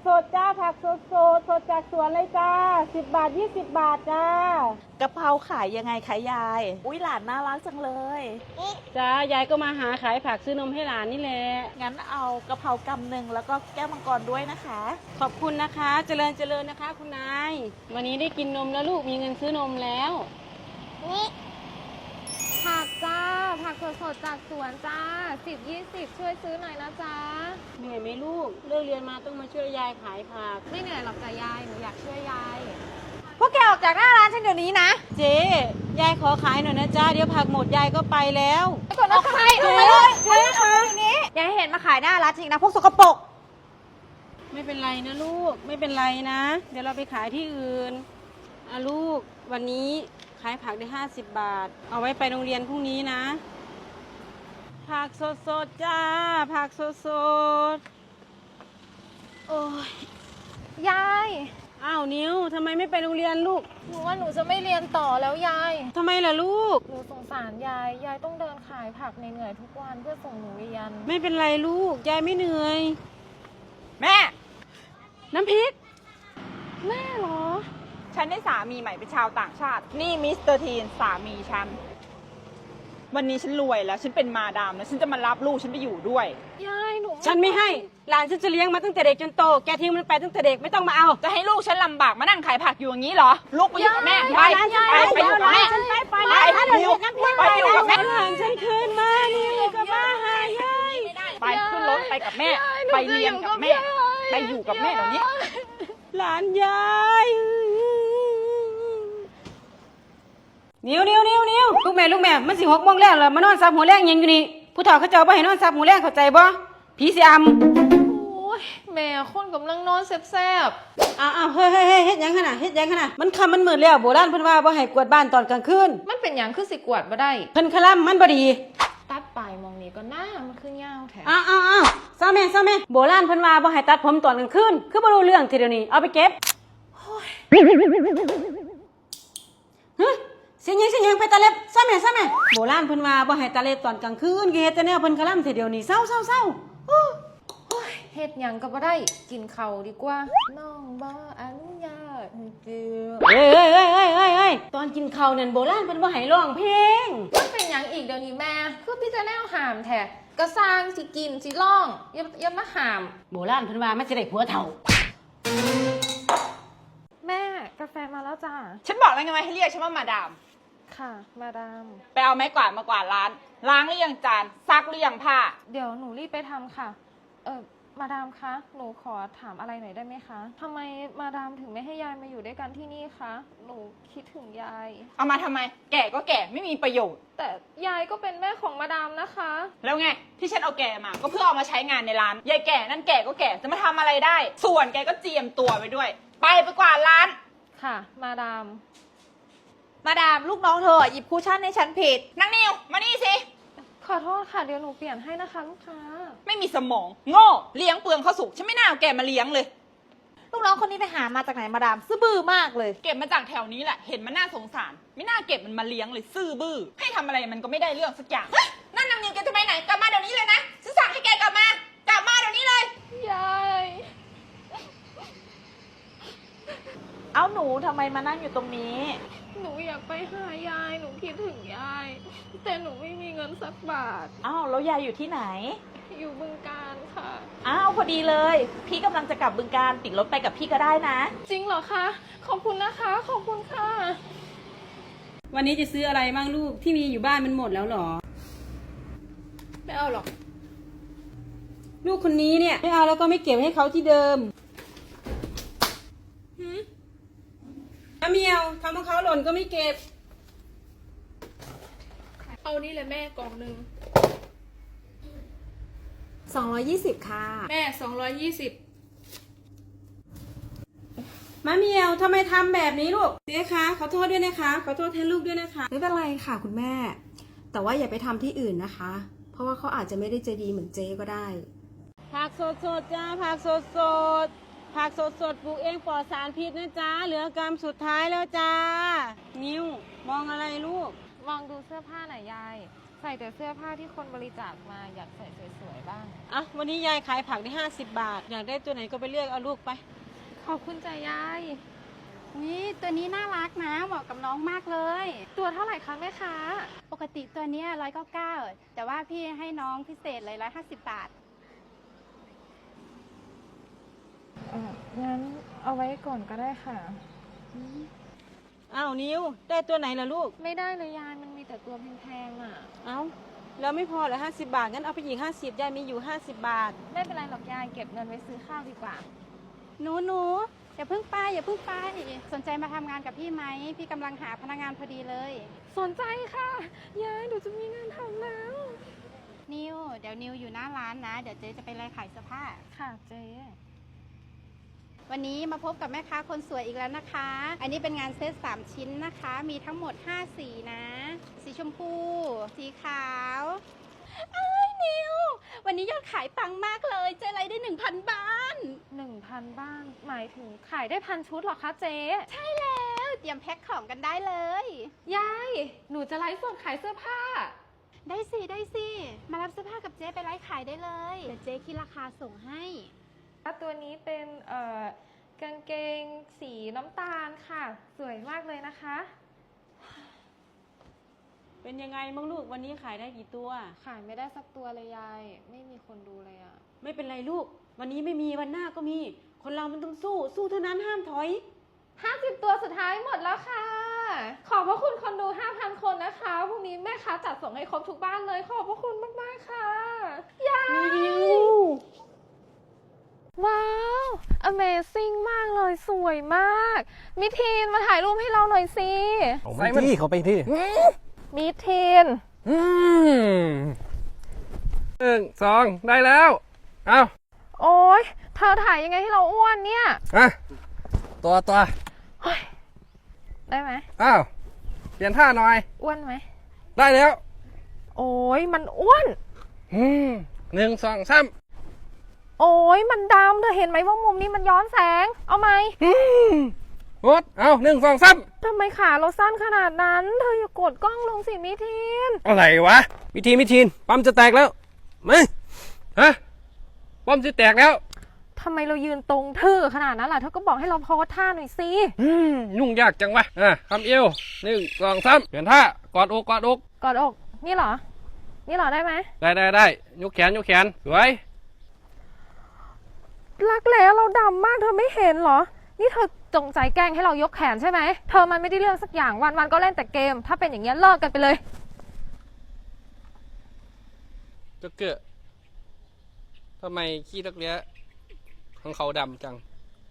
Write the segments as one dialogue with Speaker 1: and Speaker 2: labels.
Speaker 1: สดๆจ้าผักสดสดจากสวนเลยจ้า10 บาท20 บาทจ้ากะเพราขายยังไงคะยายอุ้ยหลานน่ารักจังเลย
Speaker 2: จ้ายายก็มาหาขายผักซื้อนมให้หลานนี่แหละ
Speaker 1: งั้นเอากะเพรากำหนึ่งแล้วก็แก้วมังกรด้วยนะคะ
Speaker 2: ขอบคุณนะคะ เจริญนะคะคุณนายวันนี้ได้กินนมแล้วลูกมีเงินซื้อนมแล้ว
Speaker 3: นี่ผักจ้าผักสดๆจากสวนจ้า10-20ช่วยซื้อหน่อยนะจ๊ะ
Speaker 2: เหนื่อยไหมลูกเลิกเรียนมาต้องมาช่วยยายขายผัก
Speaker 3: ไม่เหนื่อยหรอกจ้ะยายหนูอยากช่วยยาย
Speaker 1: พวกแกออกจากหน้าร้านฉันเดี๋ยวนี้นะ
Speaker 2: เจ๊ยายขอขายหน่อยนะจ้าเดี๋ยวผักหมดยายก็ไปแล้ว
Speaker 1: ไปก่อนนะใครเอามาเลยเจ๊คะยายเห็นมาขายหน้าร้านจริงนะพวกสกปรก
Speaker 2: ไม่เป็นไรนะลูกไม่เป็นไรนะเดี๋ยวเราไปขายที่อื่นลูกวันนี้ขายผักได้50 บาทเอาไว้ไปโรงเรียนพรุ่งนี้นะผักสดๆจ้าผักสดๆโอ้ย
Speaker 3: ยาย
Speaker 2: อ้าวนิ้วทำไมไม่ไปโรงเรียนลูก
Speaker 3: หนูว่าหนูจะไม่เรียนต่อแล้วยาย
Speaker 2: ทำไมล่ะลูก
Speaker 3: หนูสงสารยายต้องเดินขายผักเหนื่อยๆทุกวันเพื่อส่งหนูเรียน
Speaker 2: ไม่เป็นไรลูกยายไม่เหนื่อย
Speaker 1: แม่
Speaker 2: น้ำพริก
Speaker 3: แม่เหรอ
Speaker 1: ฉันได้สามีใหม่เป็นชาวต่างชาตินี่มิสเตอร์ทีนสามีฉันวันนี้ฉันรวยแล้วฉันเป็นมาดามแล้วฉันจะมารับลูกฉันไปอยู่ด้วย
Speaker 3: ยายหนู
Speaker 2: ฉันไม่ให้หลานฉันจะเลี้ยงมาตั้งแต่เด็กจนโตแกทิ้งมันไปตั้งแต่เด็กไม่ต้องมาเอา
Speaker 1: จะให้ลูกฉันลำบากมานั่งขายผักอยู่อย่างนี้เหรอลูกไปอยู่กับแม่ไปอยู่กับแม่
Speaker 2: ไปอยู่กับแม่หลานฉันคืนมานี่อยู่กับแม่หายาย
Speaker 1: ไปขึ้นรถไปกับแม่ไปเรียนกับแม่ไปอยู่กับแม่เดี๋ยวนี้
Speaker 2: หลานยายนิ้วลูกแม่มันสิ6 โมงแล้วเหรอมานอนซับหัวแรงยังอยู่นี่ผู้เฒ่าเขาเจ้าบ่ให้นอนซับหัวแรงเข้าใจบ่ผีสิอำ
Speaker 3: โอ้ยแม่คนกำลังนอนแซ่บ
Speaker 2: เฮ้ยเฮ็ดหยังขนาดมันค่ำมันมืดแล้วโบราณเพิ่นว่าบ่ให้กวาดบ้านตอนกลางคืน
Speaker 3: มันเป็นหยังคือสิกวาดบ่ได้
Speaker 2: เพิ่นคลั่มมันบ่ดี
Speaker 3: ตัดปลายมองนี้ก็หน้ามันคือยาวแท้
Speaker 2: ซาแม่โบราณเพิ่นว่าบ่ให้ตัดผมตอนกลางคืนคือบ่รู้เรื่องทีเดียวนี้เอาไปเก็บเสียงยังไปตาเล็บซะแม่โบราณเพิ่นว่าบ่ให้ตาเล็บตอนกลางคืนเฮ็ดแต่แนวเพิ่นคลั่มทีเดียวนี้เศร้า
Speaker 3: เฮ็ดหยังก็บ่ได้กินข้าวดีกว่าน้องบ่อนุญาตให้เจือ
Speaker 2: เฮ้ยตอนกินข้าวนั่นโบราณเพิ่นบ่ให้ร้องเพลง
Speaker 3: มันเป็นหยังอีกเดี๋ยวนี้แม่คือพี่จะแนวหามแท้ก็สร้างสิกินสิร้องอย่ามาหาม
Speaker 2: โบราณเพิ่นว่ามันสิได้ผัวเฒ่า
Speaker 3: แม่กาแฟมาแล้วจ้า
Speaker 1: ฉันบอกแล้วไงให้เรียกฉันว่ามาดาม
Speaker 3: ค่ะมาดาม
Speaker 1: ไปเอาไม้กวาดมากวาดร้านล้างหรือยังจานซักหรือยังผ้า
Speaker 3: เดี๋ยวหนูรีบไปทำค่ะมาดามคะหนูขอถามอะไรหน่อยได้ไหมคะทำไมมาดามถึงไม่ให้ยายมาอยู่ด้วยกันที่นี่คะหนูคิดถึงยาย
Speaker 1: เอามาทำไมแก่ก็แก่ไม่มีประโยชน์
Speaker 3: แต่ยายก็เป็นแม่ของมาดามนะคะ
Speaker 1: แล้วไงที่ฉันเอาแกมาก็เพื่อเอามาใช้งานในร้านยายแก่นั่นแก่ก็แก่จะมาทำอะไรได้ส่วนแกก็เจียมตัวไปด้วยไปกวาดร้าน
Speaker 3: ค่ะมาดาม
Speaker 1: ลูกน้องเธอหยิบคุชชั่นให้ฉันผิดนางนิวมานี่สิ
Speaker 3: ขอโทษค่ะเดี๋ยวหนูเปลี่ยนให้นะคะลูกค้า
Speaker 1: ไม่มีสมองโง่เลี้ยงเปลืองข้าวสุกฉันไม่น่าเอาแกมาเลี้ยงเลยลูกน้องคนนี้ไปหามาจากไหนมาดามซื่อบื้อมากเลยเก็บมาจากแถวนี้แหละเห็นมันน่าสงสารไม่น่าเก็บมันมาเลี้ยงเลยซื่อบื้อให้ทำอะไรมันก็ไม่ได้เรื่องสักอย่างนั่นนางนิวแกจะไปไหนกลับมาเดี๋ยวนี้เลยนะฉันสั่งให้แกกลับมาเดี๋ยวนี้เลย
Speaker 3: ยาย
Speaker 1: เอาหนูทำไมมานั่งอยู่ตรงนี้
Speaker 3: หนูอยากไปหายายหนูคิดถึงยายแต่หนูไม่มีเงินสักบาท
Speaker 1: อ้าวแล้วยายอยู่ที่ไหน
Speaker 3: อยู่บึงกาฬค่ะ
Speaker 1: อ้าวพอดีเลยพี่กำลังจะกลับบึงกาฬติดรถไปกับพี่ก็ได้นะ
Speaker 3: จริงเหรอคะขอบคุณนะคะขอบคุณค่ะ
Speaker 2: วันนี้จะซื้ออะไรบ้างลูกที่มีอยู่บ้านมันหมดแล้วหรอ
Speaker 3: ไม่เอาหรอก
Speaker 2: ลูกคนนี้เนี่ยไม่เอาแล้วก็ไม่เก็บให้เขาที่เดิมน้ำเมียวทำของเขาหล่นก็ไม่เก็บ
Speaker 3: เอานี่เลยแม่กล่องนึง
Speaker 1: 220ค่ะ
Speaker 3: แม่220
Speaker 2: มะเมียวทำไมทำแบบนี้ลูกเจ๊คะขอโทษด้วยนะคะขอโทษแทนลูกด้วยนะคะ
Speaker 4: ไม่เป็นไรค่ะคุณแม่แต่ว่าอย่าไปทำที่อื่นนะคะเพราะว่าเขาอาจจะไม่ได้ใจดีเหมือนเจ๊ก็ได้
Speaker 2: ผักสดจ้าผักสดปลูกเองปลอดสารพิษนะจ๊ะเหลือกรรมสุดท้ายแล้วจ้านิ้วมองอะไรลูก
Speaker 3: มองดูเสื้อผ้าหน่อยยายใส่แต่เสื้อผ้าที่คนบริจาคมาอยากใส่สวยๆบ้าง
Speaker 2: อ่ะวันนี้ยายขายผักได้50 บาท อยากได้ตัวไหนก็ไปเลือกเอาลูกไป
Speaker 3: ขอบคุณจ้ะยาย
Speaker 5: นี่ตัวนี้น่ารักนะเหมาะกับน้องมากเลย
Speaker 3: ตัวเท่าไหร่คะแม่ค้า
Speaker 5: ปกติตัวเนี้ย199แต่ว่าพี่ให้น้องพิเศษเลย150 บาท
Speaker 3: งั้นเอาไว้ก่อนก็ได้ค่ะ
Speaker 2: อ้าวนิวได้ตัวไหนล่ะลูก
Speaker 3: ไม่ได้เลยยายมันมีแต่ตัวแพงๆอ่ะ
Speaker 2: เอ้าแล้วไม่พอเหรอ50 บาทงั้นเอาไปอีก50ยายมีอยู่50 บาท
Speaker 3: ไม่เป็นไรหรอกยายเก็บเงินไว้ซื้อข้าวดีกว่า
Speaker 5: หนูอย่าเพิ่งไปสนใจมาทำงานกับพี่ไหมพี่กำลังหาพนักงานพอดีเลย
Speaker 3: สนใจค่ะ ยายหนูจะมีงานทำแล้ว
Speaker 5: นิวเดี๋ยวนิวอยู่หน้าร้านนะเดี๋ยวเจ๊จะไปไล่ขายเสื้อผ้า
Speaker 3: ค่ะเจ๊
Speaker 5: วันนี้มาพบกับแม่ค้าคนสวยอีกแล้วนะคะ อันนี้เป็นงานเซต3 ชิ้นนะคะ มีทั้งหมด5สีนะ สีชมพู สีขาวอ้ายนิว วันนี้ยอดขายปังมากเลย เจ๊ไล่ได้ 1,000 บ้าน
Speaker 3: 1,000 บ้าน หมายถึงขายได้1,000 ชุดเหรอคะเจ๊
Speaker 5: ใช่แล้วเตรียมแพ็คของกันได้เลย
Speaker 3: ยาย หนูจะไลฟ์สดขายเสื้อผ้า
Speaker 5: ได้สิ มารับเสื้อผ้ากับเจ๊ไปไลฟ์ขายได้เลย เดี๋ยวเจ๊คิดราคาส่งให้
Speaker 3: ตัวนี้เป็นกางเกงสีน้ำตาลค่ะ สวยมากเลยนะคะ
Speaker 2: เป็นยังไงบ้างลูกวันนี้ขายได้กี่ตัว
Speaker 3: ขายไม่ได้สักตัวเลยยาย ไม่มีคนดูเลยอะ
Speaker 2: ไม่เป็นไรลูก วันนี้ไม่มีวันหน้าก็มี คนเรามันต้องสู้เท่านั้นห้ามถอย
Speaker 3: 50 ตัวสุดท้ายหมดแล้วค่ะ ขอบพระคุณคนดู 5,000 คนนะคะพรุ่งนี้แม่ค้าจัดส่งให้ครบทุกบ้านเลย ขอบพระคุณมากๆค่ะ ยาย ว้าว Amazing มากเลย สวยมาก มิทีนมาถ่ายรูปให้เราหน่อยสิ
Speaker 6: ใส่ที่เขาไปที่
Speaker 3: มิทีน
Speaker 6: 1 2 ได้แล้ว เอา
Speaker 3: โอ๊ย เธอถ่ายยังไงให้เราอ้วนเนี่ย
Speaker 6: อ่ะตัว
Speaker 3: ได้ไหม
Speaker 6: อ้าว เปลี่ยนท่าหน่อย
Speaker 3: อ้วนไหม
Speaker 6: ได้แล้ว
Speaker 3: โอ๊ย มันอ้วน
Speaker 6: 1 2 3
Speaker 3: โอ๊ย มันดำ เธอเห็นไหมว่ามุมนี้มันย้อนแสง เอาไหม
Speaker 6: หมดเอา1 2 3
Speaker 3: ทำไมขาเราสั้นขนาดนั้น เธออย่ากดกล้องลงสิมิทีน
Speaker 6: อะไรวะวิธีปั๊มจะแตกแล้วมาฮะปั๊มจะแตกแล้ว
Speaker 3: ทำไมเรายืนตรงทื่อขนาดนั้นล่ะ เธอก็บอกให้เราโพสท่าหน่อยสิ
Speaker 6: ยุ่งยากจังวะคำเอว1 2 3 เปลี่ยนท่ากอดอก
Speaker 3: กอดอก นี่เหรอ นี่เหรอได้ไหม
Speaker 6: ได้ยกแขนสวย
Speaker 3: รักแร้เราดำมากเธอไม่เห็นเหรอ นี่เธอจงใจแกล้งให้เรายกแขนใช่ไหม เธอมันไม่ได้เรื่องสักอย่างวันก็เล่นแต่เกม ถ้าเป็นอย่างเงี้ยเลิกกันไปเลย
Speaker 6: จะเกิดทำไมขี้ตะเลียของเขาดำจัง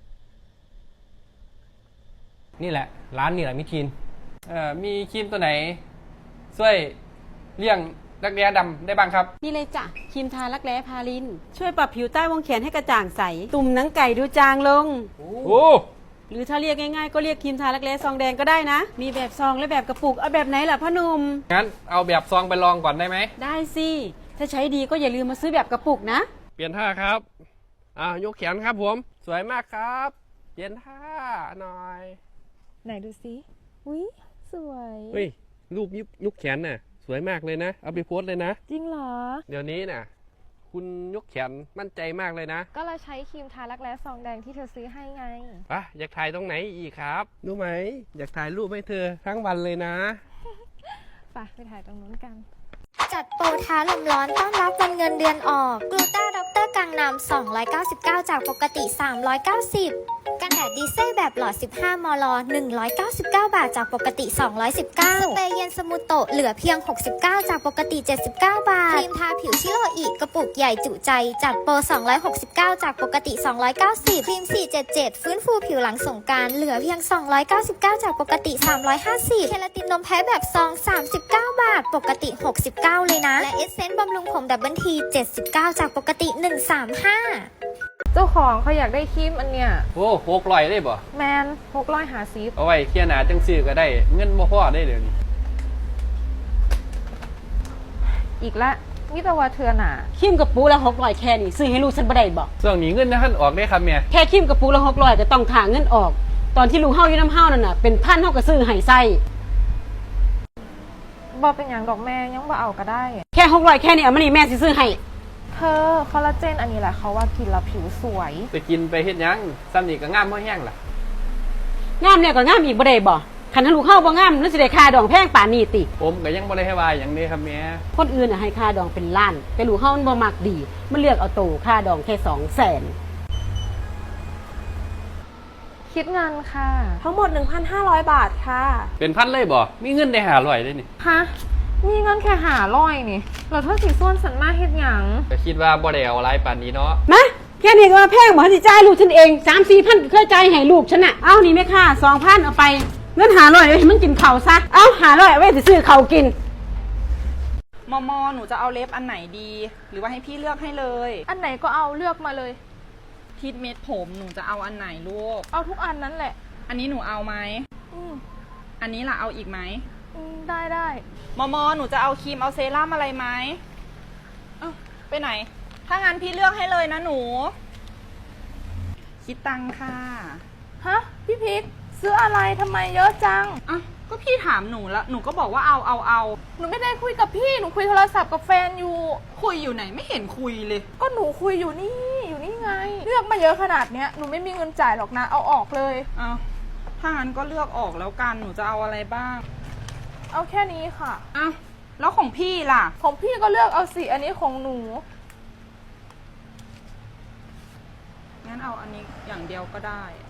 Speaker 6: นี่แหละ ร้านนี่แหละมิทีนมีครีมตัวไหนช่วยเลี่ยงรักแร้ดำได้บ้างครับ
Speaker 2: นี่เลยจ้ะครีมทารักแร้พาลิน ช่วยปรับผิวใต้วงแขนให้กระจ่างใส ตุ่มหนังไก่ดูจางลง
Speaker 6: โอ้
Speaker 2: หรือถ้าเรียกง่ายๆก็เรียกครีมทารักแร้ซองแดงก็ได้นะ มีแบบซองและแบบกระปุก เอาแบบไหนล่ะพ่อหนุ่ม
Speaker 6: งั้นเอาแบบซองไปลองก่อนได้ไหม
Speaker 2: ได้สิ ถ้าใช้ดีก็อย่าลืมมาซื้อแบบกระปุกนะ
Speaker 6: เปลี่ยนท่าครับยกแขนครับผม สวยมากครับ เปลี่ยนท่าหน่อย
Speaker 3: ไหนดูสิอุ้ยสวย
Speaker 6: เฮ้ย รูปยกแขนน่ะ สวยมากเลยนะ เอาไปโพสต์เลยนะ
Speaker 3: จริงเหรอ
Speaker 6: เดี๋ยวนี้น่ะ คุณยกแขนมั่นใจมากเลยนะ
Speaker 3: ก็เราใช้ครีมทารักแร้ซองแดงที่เธอซื้อให้ไง
Speaker 6: อยากถ่ายตรงไหนอีกครับ รู้ไหม อยากถ่ายรูปให้เธอทั้งวันเลยนะ
Speaker 3: ไปถ่ายตรงนู้นกัน
Speaker 7: จัดโปรท้าลมร้อนต้อนรับวันเงินเดือนออกกลูต้าด็อกเตอร์กังนำ299 จากปกติ 390 กันแดดดีเซลแบบหลอด 15 มล 199 บาท จากปกติ 219 สเปรย์เย็นสมูโตะเหลือเพียง 69 จากปกติ 79 บาท ครีมทาผิวชิโรอีกกระปุกใหญ่จุใจ จัดโปร 269 จากปกติ 290 ครีม 477 ฟื้นฟูผิวหลังสงกรานต์เหลือเพียง 299 จากปกติ 350 เคลาตินนมแพ้แบบซอง 39 บาท ปกติ 69 เลยนะ และเอสเซนต์บำรุงผมดับเบิลที 79 จากปกติ 135
Speaker 3: เจ้าของเขาอยากได้ครีมอันเนี้ย
Speaker 6: โอ้โหกลอยได้บ่
Speaker 3: แมน650
Speaker 6: เอาไว้เที่ยหนาจังซื้อก็ได้ เงินบ่พอได้เดี๋ยวนี้
Speaker 3: อีกละมิตรว่าเธอหนา
Speaker 2: ครีมกระปุกละ600แค่นี้ซื้อให้ลูกฉันบ่ได้บอก
Speaker 6: ช่วงนี้เงินท่านออกได้ครับเมีย
Speaker 2: แค่ครีมกระปุกละ600ก็ต้องถ่าเงินออก ตอนที่ลูกเฮาอยู่น้ำเฮานั่นน่ะเป็นพันเฮาก็ซื้อให้ใส่
Speaker 3: บอเป็นอย่างดอกแม่ยังบ่เอาก็ได้
Speaker 2: แค่600แค่นี้เอามานี่แม่สิซื้อให้
Speaker 3: เธอคอลลาเจนอันนี้แหละเขาว่ากินแล้วผิวสวย
Speaker 6: ไปกินไปเฮ็ดหยังซ้ำนี่ก็งามบ่แห้งล่ะ
Speaker 2: งามแล้วก็งามอีกบ่ได้บ่คันถ้าลูกเฮาบ่งามแล้วสิได้ค่าดองแพงป่านนี้ติ
Speaker 6: ผมก็ยังบ่ได้ให้ว่าหยังเด้ครับแม่
Speaker 2: คนอื่นน่ะให้ค่าดองเป็นล้านแต่ลูกเฮามันบ่มักดีมันเลือกเอาโตค่าดองแค่200,000
Speaker 3: คิดเงินค่ะ
Speaker 8: ทั้งหมด 1,500 บาทค่ะ
Speaker 6: เป็นพันเลยบ่มีเงินได้500ได้นี่
Speaker 3: ฮะ มีเงินแค่500นี่เราเท่าสีส้วนสันมาเฮ็ดหยัง
Speaker 6: ก็คิดว่าบ่ได้เอาหลายปานนี้เนาะ
Speaker 2: มาแค่นี้ก็มาแพงบ่สิจ่ายลูกฉันเอง 3-4,000ก็เคยจ่ายให้ลูกฉันน่ะเอานี่แม่ค่า 2,000 เอาไปเงิน500ไว้ให้มันกินข้าวซะเอา500เอาไว้สิซื้อข้าวกิน
Speaker 1: มอหนูจะเอาเล็บอันไหนดี หรือว่าให้พี่เลือกให้เลย
Speaker 3: อันไหนก็เอาเลือกมาเลย
Speaker 1: ทิดเม็ดผมหนูจะเอาอันไหนลูก
Speaker 3: เอาทุกอันนั้นแหละ
Speaker 1: อันนี้หนูเอาไหม
Speaker 3: อืม
Speaker 1: อันนี้ล่ะเอาอีกไหม
Speaker 3: ได้
Speaker 1: มอหนูจะเอาครีมเอาเซรั่มอะไรไหมเอ้าไปไหน ถ้างั้นพี่เลือกให้เลยนะหนู คิดตังค่ะ
Speaker 3: ฮะ พี่พิกซื้ออะไรทำไมเยอะจัง
Speaker 1: อ่ะก็พี่ถามหนูแล้วหนูก็บอกว่าเอา
Speaker 3: หนูไม่ได้คุยกับพี่ หนูคุยโทรศัพท์กับแฟนอยู่
Speaker 1: คุยอยู่ไหนไม่เห็นคุยเลย
Speaker 3: ก็หนูคุยอยู่นี่ไง เลือกมาเยอะขนาดเนี้ย หนูไม่มีเงินจ่ายหรอกนะ เอาออกเลย
Speaker 1: เอาถ้างั้นก็เลือกออกแล้วกันหนูจะเอาอะไรบ้าง
Speaker 3: เอาแค่นี้ค่ะ
Speaker 1: อ้าวแล้วของพี่ล่ะ
Speaker 3: ของพี่ก็เลือกเอาสิ อันนี้ของหนู
Speaker 1: งั้นเอาอันนี้อย่างเดียวก็ได้